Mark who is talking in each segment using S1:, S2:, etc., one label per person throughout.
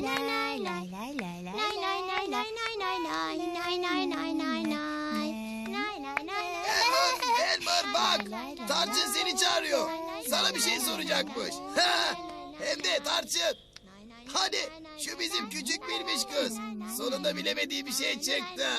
S1: Elmer bak, Tarçın seni çağırıyor. Sana bir şey soracakmış. Hem de Tarçın. Hadi şu bizim küçük bilmiş kız. Sonunda bilemediği bir şey çıktı.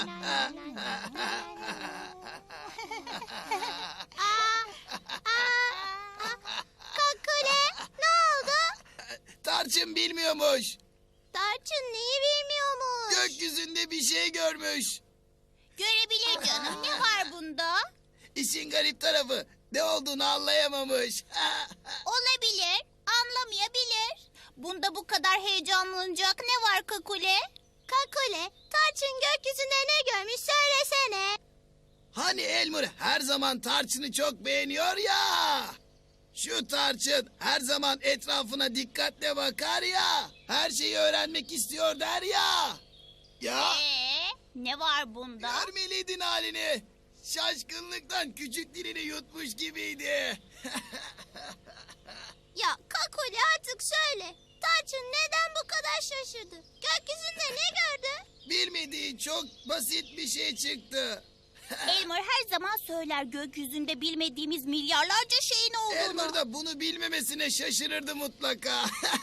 S2: Kakule, ne oldu?
S1: Tarçın bilmiyormuş.
S2: Tarçın neyi bilmiyormuş?
S1: Gökyüzünde bir şey görmüş.
S2: Görebilir canım, ne var bunda?
S1: İşin garip tarafı ne olduğunu anlayamamış.
S2: Olabilir, anlamayabilir. Bunda bu kadar heyecanlanacak ne var Kakule? Kakule, Tarçın gökyüzünde ne görmüş söylesene.
S1: Hani Elmer her zaman Tarçın'ı çok beğeniyor ya. Şu Tarçın her zaman etrafına dikkatle bakar ya. Her şeyi öğrenmek istiyor der ya. Ya
S2: Ne var bunda?
S1: görmeliydin halini. Şaşkınlıktan küçük dilini yutmuş gibiydi.
S2: Ya Kakule artık söyle. Tarçın neden bu kadar şaşırdı? Gökyüzünde ne gördü?
S1: Bilmediği çok basit bir şey çıktı.
S2: Elmer her zaman söyler gökyüzünde bilmediğimiz milyarlarca şeyin olduğunu.
S1: Elmer da bunu bilmemesine şaşırırdı mutlaka.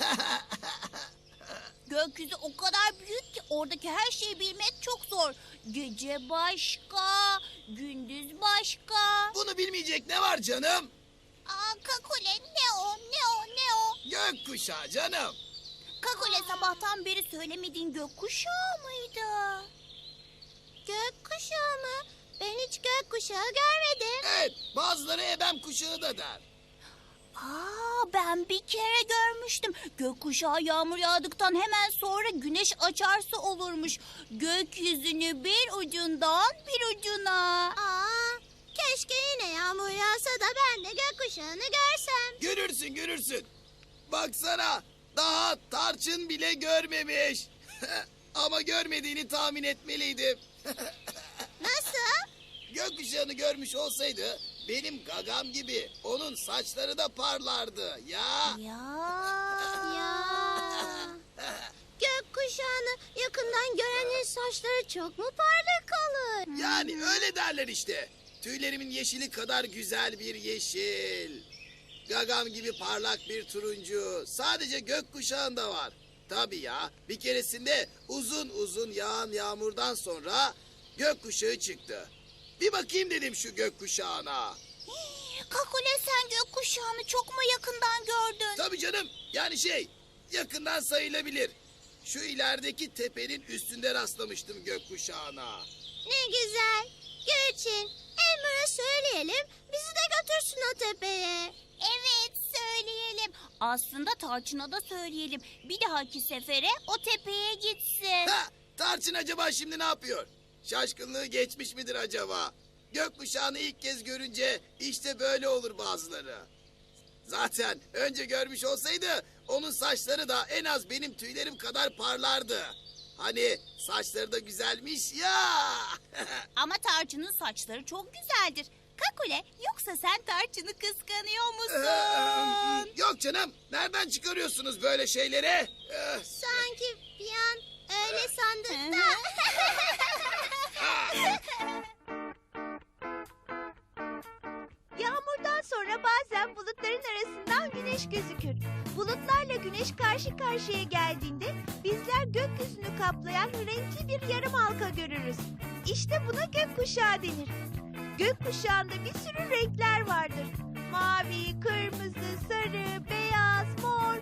S2: Gökyüzü o kadar büyük ki oradaki her şeyi bilmek çok zor. Gece başka, gündüz başka.
S1: Bunu bilmeyecek ne var canım?
S2: Kakule ne o, ne o, ne o?
S1: Gökkuşağı canım.
S2: Kakule sabahtan beri söylemediğin gökkuşağı mıydı? Gökkuşağı mı? Ben hiç gökkuşağı görmedim.
S1: Evet, bazıları ebem kuşağı da der.
S2: Ben bir kere görmüştüm. Gökkuşağı yağmur yağdıktan hemen sonra güneş açarsa olurmuş. Gökyüzünü bir ucundan bir ucuna. Keşke yine yağmur yağsa da ben de gökkuşağını görsem.
S1: Görürsün, görürsün. Baksana, daha Tarçın bile görmemiş. Ama görmediğini tahmin etmeliydim.
S2: Nasıl?
S1: Gökkuşağını görmüş olsaydı benim gagam gibi onun saçları da parlardı ya.
S2: Ya. Gökkuşağını yakından görenin saçları çok mu parlak olur?
S1: Yani öyle derler işte. Tüylerimin yeşili kadar güzel bir yeşil. Gagam gibi parlak bir turuncu. Sadece gökkuşağında var. Tabii ya, bir keresinde uzun uzun yağan yağmurdan sonra gökkuşağı çıktı. Bir bakayım dedim şu gökkuşağına.
S2: Kakule sen gökkuşağını çok mu yakından gördün?
S1: Tabii canım, yani yakından sayılabilir. Şu ilerideki tepenin üstünde rastlamıştım gökkuşağına.
S2: Ne güzel. Gülçin, Elmer'a söyleyelim bizi de götürsün o tepeye. Evet söyleyelim. Aslında Tarçın'a da söyleyelim. Bir dahaki sefere o tepeye gitsin.
S1: Tarçın acaba şimdi ne yapıyor? Şaşkınlığı geçmiş midir acaba? Gökkuşağını ilk kez görünce işte böyle olur bazıları. Zaten önce görmüş olsaydı onun saçları da en az benim tüylerim kadar parlardı. Hani saçları da güzelmiş ya.
S2: Ama Tarçın'ın saçları çok güzeldir. Kakule yoksa sen Tarçın'ı kıskanıyor musun?
S1: Yok canım, nereden çıkarıyorsunuz böyle şeyleri?
S2: Sanki bir an öyle sandık da.
S3: Yağmurdan sonra bazen bulutların arasından güneş gözükür. Bulutlarla güneş karşı karşıya geldiğinde bizler gökyüzünü kaplayan renkli bir yarım halka görürüz. İşte buna gökkuşağı denir. Gökkuşağında bir sürü renkler vardır. Mavi, kırmızı, sarı, beyaz, mor.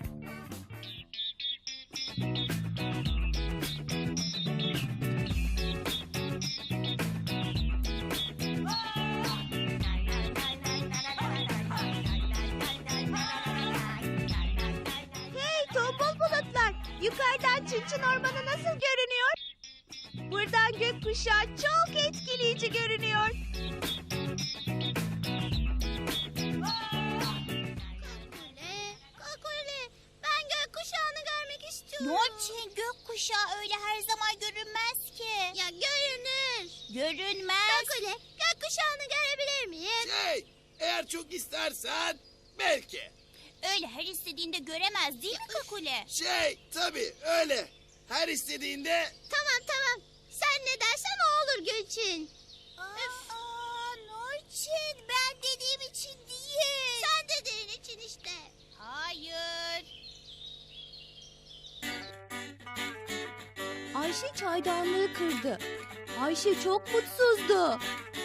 S3: Hey tombul bulutlar, yukarıdan Çınçın Ormanı nasıl görünüyor? Buradan gökkuşağı çok etkileyici görünüyor.
S2: Kakule, ben gökkuşağını görmek istiyorum. Niçin gökkuşağı öyle her zaman görünmez ki? Ya görünür. Görünmez. Kakule, gökkuşağını görebilir miyim?
S1: Eğer çok istersen belki.
S2: Öyle her istediğinde göremez değil mi Kakule?
S1: Tabii öyle. Her istediğinde...
S3: Tamam. Sen ne dersen o olur Gülçin.
S2: Nurçin, ben dediğim için değil.
S3: Sen dediğin için işte.
S2: Hayır.
S4: Ayşe çaydanlığı kırdı. Ayşe çok mutsuzdu.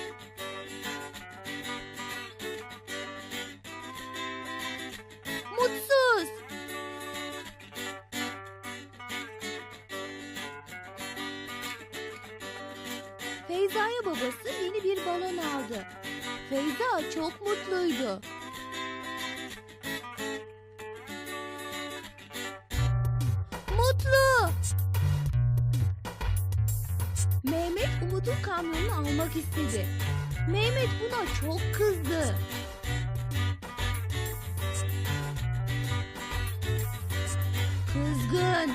S4: Mutsuz. Feyza'ya babası yeni bir balon aldı. Feyza çok mutluydu. Mutlu. Mehmet Umut'un kamyonunu almak istedi. Mehmet buna çok kızdı. Kızgın.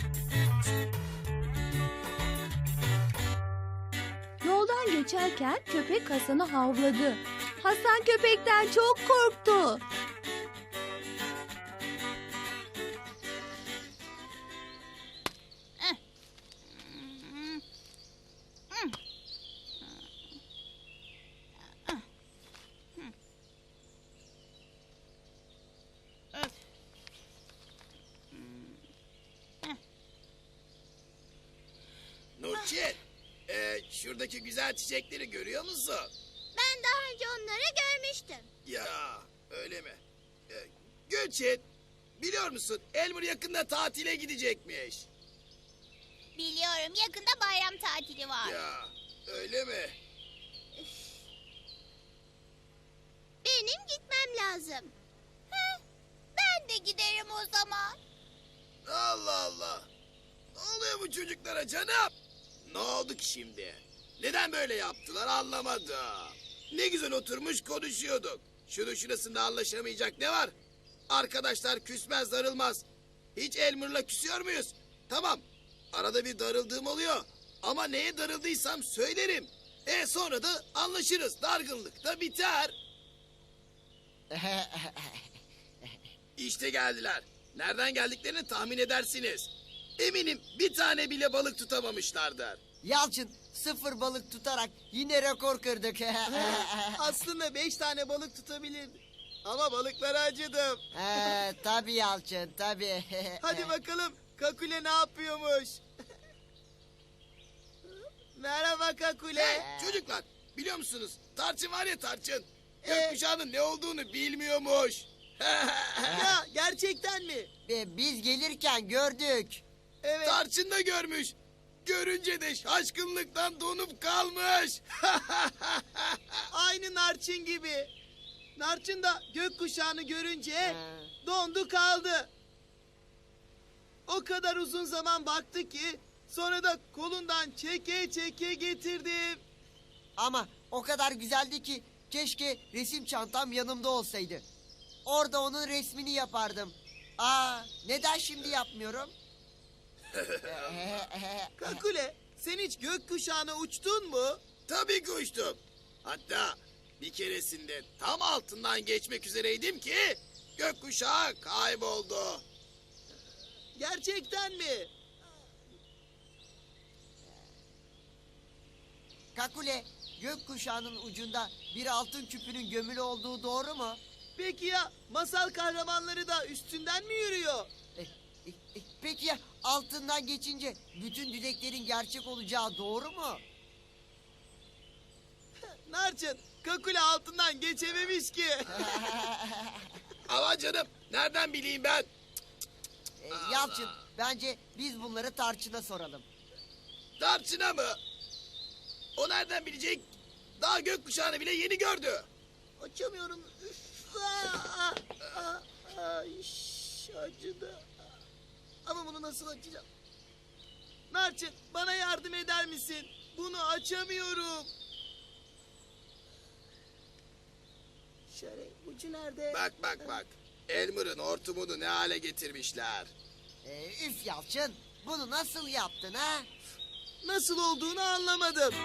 S4: Yoldan geçerken köpek Hasan'ı havladı. Hasan köpekten çok korktu.
S1: Nurçin, şuradaki güzel çiçekleri görüyor musun?
S3: Ben daha önce onları görmüştüm.
S1: Ya öyle mi? Gülçin, biliyor musun Elmer yakında tatile gidecekmiş.
S2: Biliyorum, yakında bayram tatili var.
S1: Ya öyle mi?
S3: Benim gitmem lazım.
S2: Ben de giderim o zaman.
S1: Allah Allah. Ne oluyor bu çocuklara canım? Ne oldu ki şimdi? Neden böyle yaptılar anlamadım. Ne güzel oturmuş konuşuyorduk. Şunun şurasında anlaşamayacak ne var? Arkadaşlar küsmez darılmaz. Hiç Elmer'la küsüyor muyuz? Tamam. Arada bir darıldığım oluyor. Ama neye darıldıysam söylerim. Sonra da anlaşırız. Dargınlık da biter. İşte geldiler. Nereden geldiklerini tahmin edersiniz. Eminim bir tane bile balık tutamamışlardır.
S5: Yalçın 0 balık tutarak yine rekor kırdık.
S6: Aslında 5 tane balık tutabilirdim. Ama balıklara acıdım.
S5: Tabii Yalçın tabii.
S6: Hadi bakalım Kakule ne yapıyormuş? Merhaba Kakule.
S1: Çocuklar biliyor musunuz? Tarçın var ya Tarçın. Gökkuşağının ne olduğunu bilmiyormuş.
S6: Ya gerçekten mi?
S5: Biz gelirken gördük.
S6: Evet.
S1: Tarçın da görmüş. Görünce de şaşkınlıktan donup kalmış.
S6: Aynı Narçın gibi. Narçın da gökkuşağını görünce dondu kaldı. O kadar uzun zaman baktı ki sonra da kolundan çeke çeke getirdim.
S5: Ama o kadar güzeldi ki keşke resim çantam yanımda olsaydı. Orada onun resmini yapardım. Neden şimdi yapmıyorum?
S6: Kakule sen hiç gökkuşağına uçtun mu?
S1: Tabii ki uçtum. Hatta bir keresinde tam altından geçmek üzereydim ki gökkuşağı kayboldu.
S6: Gerçekten mi?
S5: Kakule, gökkuşağının ucunda bir altın küpünün gömülü olduğu doğru mu?
S6: Peki ya masal kahramanları da üstünden mi yürüyor?
S5: Peki ya altından geçince bütün dileklerin gerçek olacağı doğru mu?
S6: Narçın, Kakule altından geçememiş ki.
S1: Ama canım nereden bileyim ben?
S5: Yalçın, bence biz bunları Tarçın'a soralım.
S1: Tarçın'a mı? O nereden bilecek? Daha gökkuşağını bile yeni gördü.
S6: Açamıyorum. Üf, acıdı. Ama bunu nasıl açacağım? Narçın, bana yardım eder misin? Bunu açamıyorum. Şöyle ucu nerede?
S1: Bak. Elmer'ın hortumunu ne hale getirmişler.
S5: Üf Yalçın, bunu nasıl yaptın ha?
S6: Nasıl olduğunu anlamadım.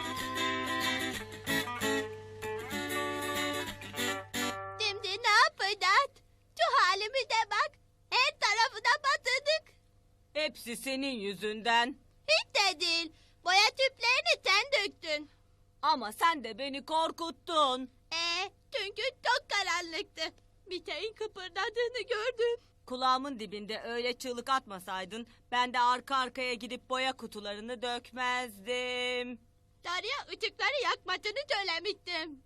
S3: Şimdi ne yapacağız? Şu halimize
S2: halime de bak. Her tarafına batırdık.
S7: Hepsi senin yüzünden.
S2: Hiç de değil. Boya tüplerini sen döktün.
S7: Ama sen de beni korkuttun.
S2: Çünkü çok karanlıktı. Bir şeyin kıpırdadığını gördüm.
S7: Kulağımın dibinde öyle çığlık atmasaydın ben de arka arkaya gidip boya kutularını dökmezdim.
S2: Darya ışıkları yakmasını söylemiştim.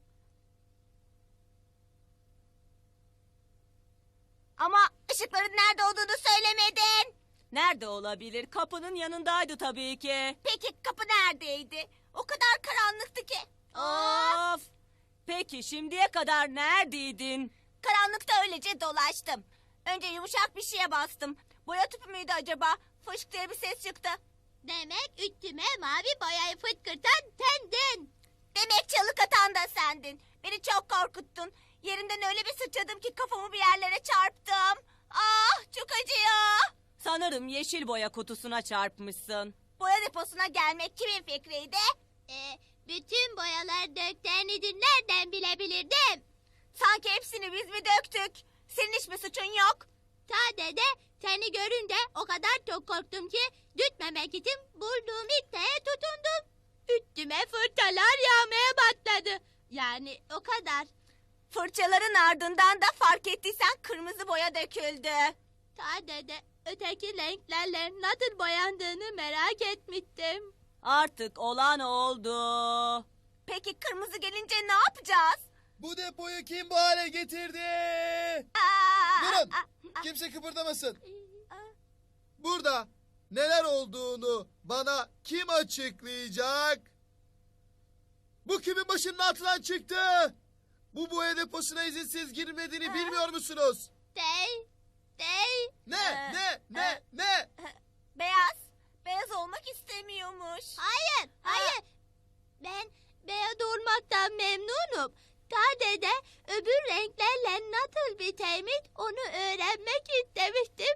S2: Ama ışıkların nerede olduğunu söylemedin.
S7: Nerede olabilir? Kapının yanındaydı tabii ki.
S2: Peki kapı neredeydi? O kadar karanlıktı ki.
S7: Of! Peki şimdiye kadar neredeydin?
S2: Karanlıkta öylece dolaştım. Önce yumuşak bir şeye bastım. Boya tüpü müydü acaba? Fışk diye bir ses çıktı. Demek üstüme mavi boyayı fıtkırtan sendin. Demek çalık atan da sendin. Beni çok korkuttun. Yerinden öyle bir sıçradım ki kafamı bir yerlere çarptım. Ah çok acıyor.
S7: Sanırım yeşil boya kutusuna çarpmışsın.
S2: Boya deposuna gelmek kimin fikriydi? Bütün boyalar döktüğünüzü nereden bilebilirdim? Sanki hepsini biz mi döktük? Senin hiçbir suçun yok. Sadece seni görünce o kadar çok korktum ki düşmemek için bulduğum ipliğe tutundum. Üstüme fırçalar yağmaya başladı. Yani o kadar. Fırçaların ardından da fark ettiysen kırmızı boya döküldü. Sadece öteki renklerle nasıl boyandığını merak etmiştim.
S7: Artık olan oldu.
S2: Peki kırmızı gelince ne yapacağız?
S6: Bu depoyu kim bu hale getirdi? Durun. Kimse kıpırdamasın. Burada neler olduğunu bana kim açıklayacak? Bu kimin başının altından çıktı? Bu boya deposuna izinsiz girmediğini bilmiyor musunuz?
S2: Dey.
S6: Ne?
S2: Beyaz olmak istemiyormuş. Hayır. Ben beyaz olmaktan memnunum. Sadece öbür renklerle nasıl biteymiş onu öğrenmek istemiştim.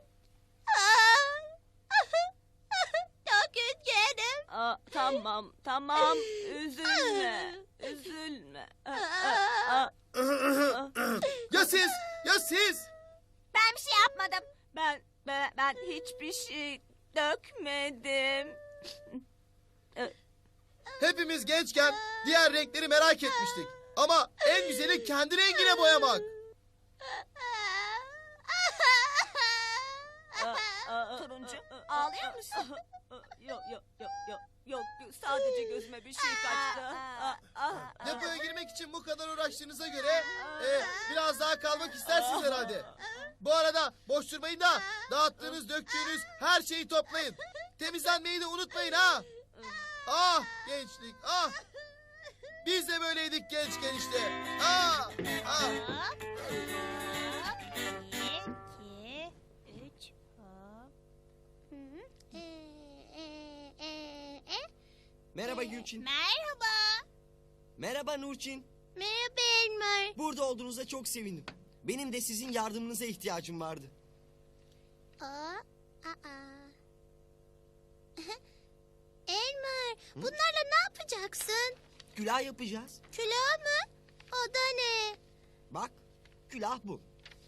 S2: Çok üzgünüm.
S7: Tamam. Üzülme.
S6: Ya siz?
S2: Ben bir şey yapmadım.
S7: Ben hiçbir şey dökmedim.
S6: Hepimiz gençken diğer renkleri merak etmiştik. Ama en güzeli kendi rengine boyamak.
S2: Turuncu, ağlıyor musun?
S7: Yok. Sadece gözüme bir şey kaçtı.
S6: Depoya girmek için bu kadar uğraştığınıza göre biraz daha kalmak istersiniz herhalde. Bu arada boş durmayın da dağıttığınız, döktüğünüz her şeyi toplayın. Temizlenmeyi de unutmayın ha. Ah gençlik ah. Biz de böyleydik gençken işte. Ah.
S8: Merhaba Gülçin.
S2: Merhaba.
S8: Merhaba Nurçin.
S2: Merhaba Elmer.
S8: Burada olduğunuza çok sevindim. Benim de sizin yardımınıza ihtiyacım vardı.
S2: Elmer, bunlarla ne yapacaksın?
S8: Külah yapacağız.
S2: Külah mı? O da ne?
S8: Bak, külah bu.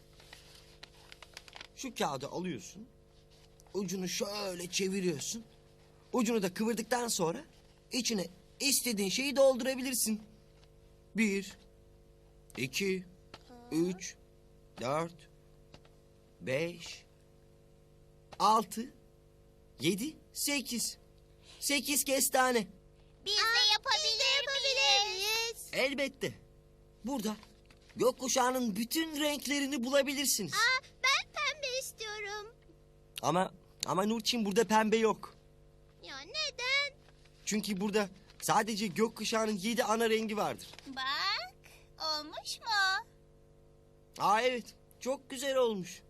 S8: Şu kağıdı alıyorsun. Ucunu şöyle çeviriyorsun. Ucunu da kıvırdıktan sonra içine istediğin şeyi doldurabilirsin. 1, 2, 3, 4, 5, 6, 7, 8. 8 kestane.
S2: Biz de yapabilir miyiz?
S8: Elbette. Burada gökkuşağının bütün renklerini bulabilirsiniz.
S2: Ben pembe istiyorum.
S8: Ama Nurçin burada pembe yok.
S2: Ya neden?
S8: Çünkü burada sadece gökkuşağının 7 ana rengi vardır.
S2: Bak, olmuş mu?
S8: Evet, çok güzel olmuş.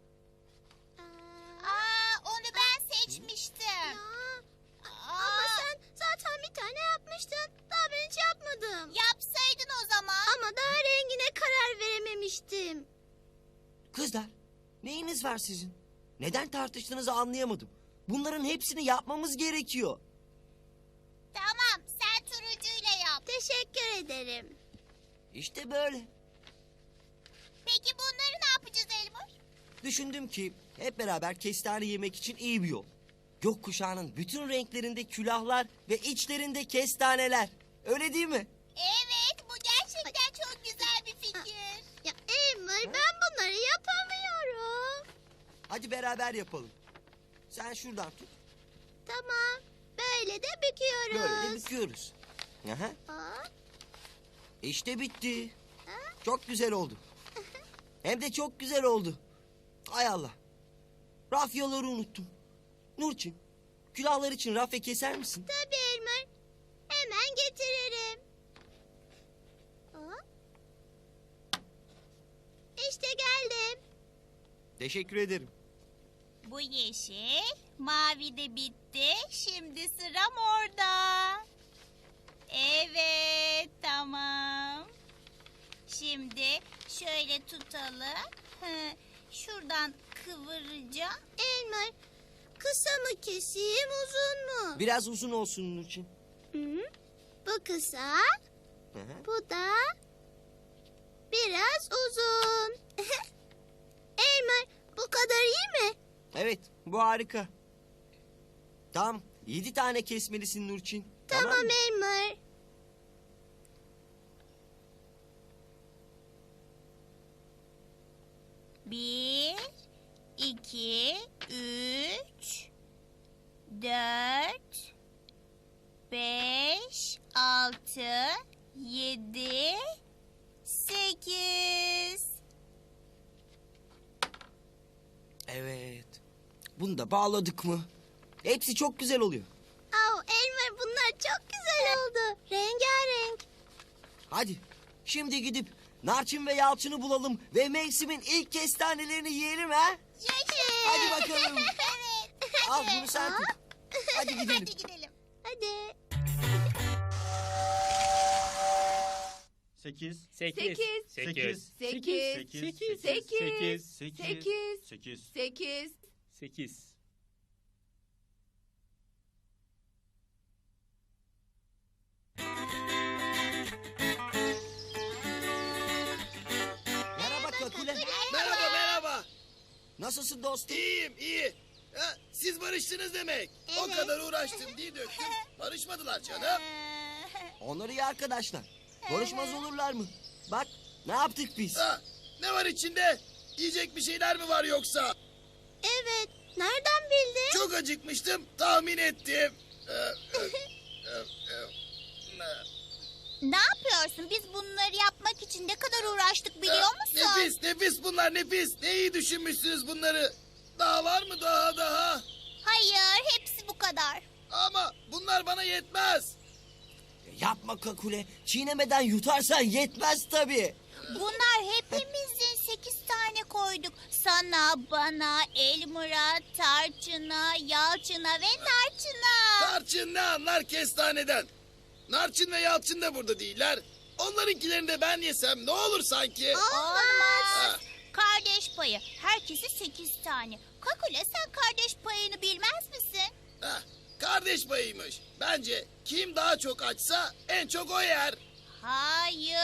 S2: Onu ben seçmiştim. Ama sen zaten bir tane yapmıştın. Daha ben hiç yapmadım. Yapsaydın o zaman. Ama daha rengine karar verememiştim.
S8: Kızlar, neyiniz var sizin? Neden tartıştığınızı anlayamadım. Bunların hepsini yapmamız gerekiyor.
S2: Tamam, sen turuncuyla yap. Teşekkür ederim.
S8: İşte böyle.
S2: Peki bunları ne yapacağız Elmur?
S8: Düşündüm ki hep beraber kestane yemek için iyi bir yol. Gökkuşağının bütün renklerinde külahlar ve içlerinde kestaneler. Öyle değil mi?
S2: Evet, bu gerçekten çok güzel bir fikir.
S3: Ya Elmer, ben bunları yapamıyorum.
S8: Hadi beraber yapalım. Sen şuradan tut.
S3: Tamam. Böyle de büküyoruz.
S8: Böyle de büküyoruz. Aha.
S3: Aa,
S8: İşte bitti. Çok güzel oldu. Hem de çok güzel oldu. Hay Allah. Rafyaları unuttum. Nurçin, külahlar için rafya keser misin?
S3: tabii Elmer. Hemen getiririm. Aa. İşte geldim.
S8: Teşekkür ederim.
S2: Bu yeşil, mavi de bitti. Şimdi sıra morda. Evet, tamam. Şimdi şöyle tutalım. Şuradan kıvıracağım.
S3: Elmer, kısa mı keseyim, uzun mu?
S8: Biraz uzun olsun Nurçin.
S3: Hı? Bu kısa,
S8: Hı hı.
S3: bu da biraz uzun. Elmer, bu kadar iyi mi?
S8: Evet, bu harika. Tamam, 7 tane kesmelisin Nurçin.
S3: Tamam
S8: mı?
S3: Elmer.
S2: Bir, iki, üç, dört, beş, altı, yedi, sekiz.
S8: Evet. Bunu da bağladık mı? Hepsi çok güzel oluyor.
S3: Oh, Elmer, bunlar çok güzel oldu. Rengarenk.
S8: Hadi, şimdi gidip Narçın ve Yalçın'ı bulalım ve mevsimin ilk kestanelerini yiyelim ha?
S3: Yaşasın.
S8: Hadi bakalım.
S3: Evet.
S8: Al bunu sen tut. Hadi gidelim.
S2: Hadi gidelim.
S3: Hadi.
S9: 8
S4: 8,
S9: 8
S4: 8,
S9: 8
S4: 8,
S9: 8
S4: 8.
S9: 8
S8: Merhaba Kakule.
S1: Merhaba merhaba.
S8: Nasılsın dostum?
S1: İyiyim iyi. Ha, siz barıştınız demek. O kadar uğraştım diye döktüm. Barışmadılar canım.
S8: Onlar iyi arkadaşlar. Barışmaz olurlar mı? Bak, ne yaptık biz?
S1: Ha, ne var içinde? Yiyecek bir şeyler mi var yoksa?
S3: Evet. Nereden bildin?
S1: Çok acıkmıştım, tahmin ettim.
S2: Ne yapıyorsun? Biz bunları yapmak için ne kadar uğraştık biliyor musun?
S1: Nefis, nefis bunlar nefis. Ne iyi düşünmüşsünüz bunları. Daha var mı daha?
S2: Hayır, hepsi bu kadar.
S1: Ama bunlar bana yetmez.
S8: Yapma Kakule. Çiğnemeden yutarsan yetmez tabii.
S2: Bunlar hepimizin 8 tane koyduk. Sana, bana, Elmer'a, Tarçın'a, Yalçın'a ve Narçın'a.
S1: Tarçın ne anlar kestaneden? Narçın ve Yalçın da burada değiller. Onlarınkilerini de ben yesem ne olur sanki?
S2: Olmaz. Kardeş payı. Herkese 8 tane. Kakule, sen kardeş payını bilmez misin?
S1: Heh, kardeş payıymış. Bence kim daha çok açsa en çok o yer.
S2: Hayır.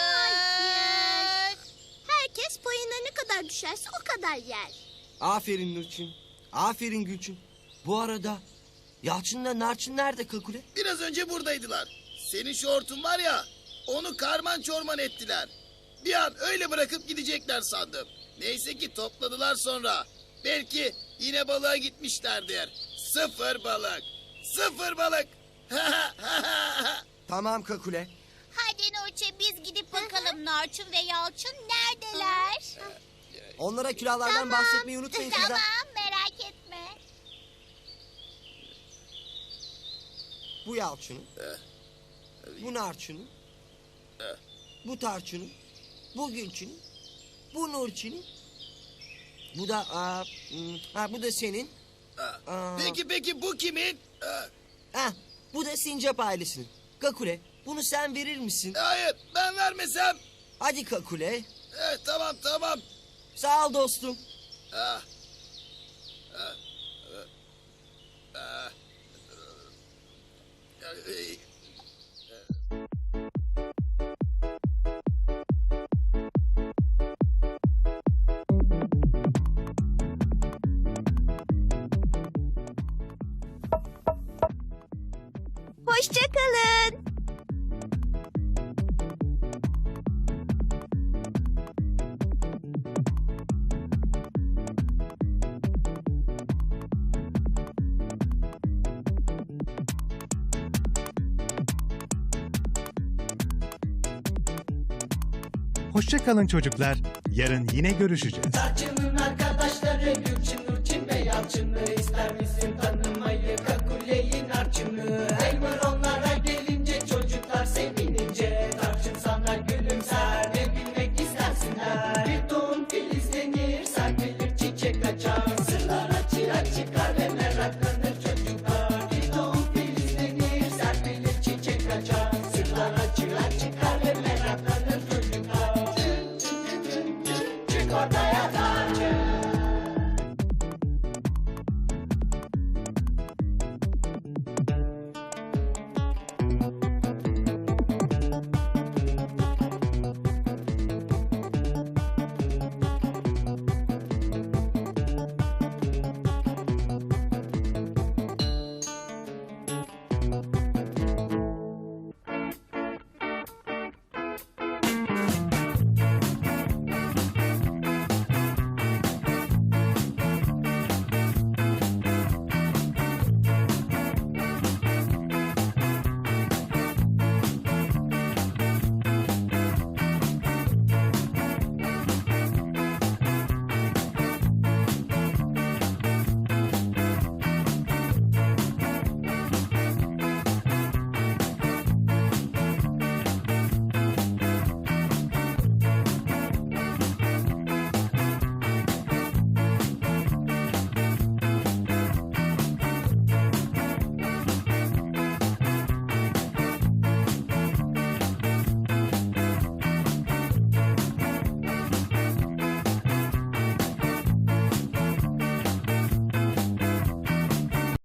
S3: Herkes payına ne kadar düşerse o kadar yer.
S8: Aferin Nurçin. Aferin Gülçin. Bu arada Yalçın'la Narçın nerede Kakule?
S1: Biraz önce buradaydılar. Senin şortun var ya, onu karman çorman ettiler. Bir an öyle bırakıp gidecekler sandım. Neyse ki topladılar sonra. Belki yine balığa gitmişlerdir. Sıfır balık. Sıfır balık.
S8: Tamam Kakule.
S2: Hadi Nurçe, biz gidip bakalım Narçın ve Yalçın neredeler?
S8: Onlara külahlardan bahsetmeyi unutmayın kızlar.
S2: Tamam, merak etme.
S8: Bu Yalçın'ın. Bu Narçın'ın. Bu Tarçın'ın. Bu Gülçin'in. Bu Nurçin'in. Bu da bu da senin. Aa.
S1: Peki bu kimin?
S8: Bu da Sincap ailesinin. Kakule, bunu sen verir misin?
S1: Hayır, ben vermesem.
S8: Hadi Kakule.
S1: Tamam.
S8: Sağ ol dostum.
S1: Ah.
S3: Hoşça kalın.
S10: Hoşça kalın çocuklar. Yarın yine görüşeceğiz.
S11: Tarçının arkadaşları Gülçin, Nurçin ve Yalçın'ı ister misin tanımayı?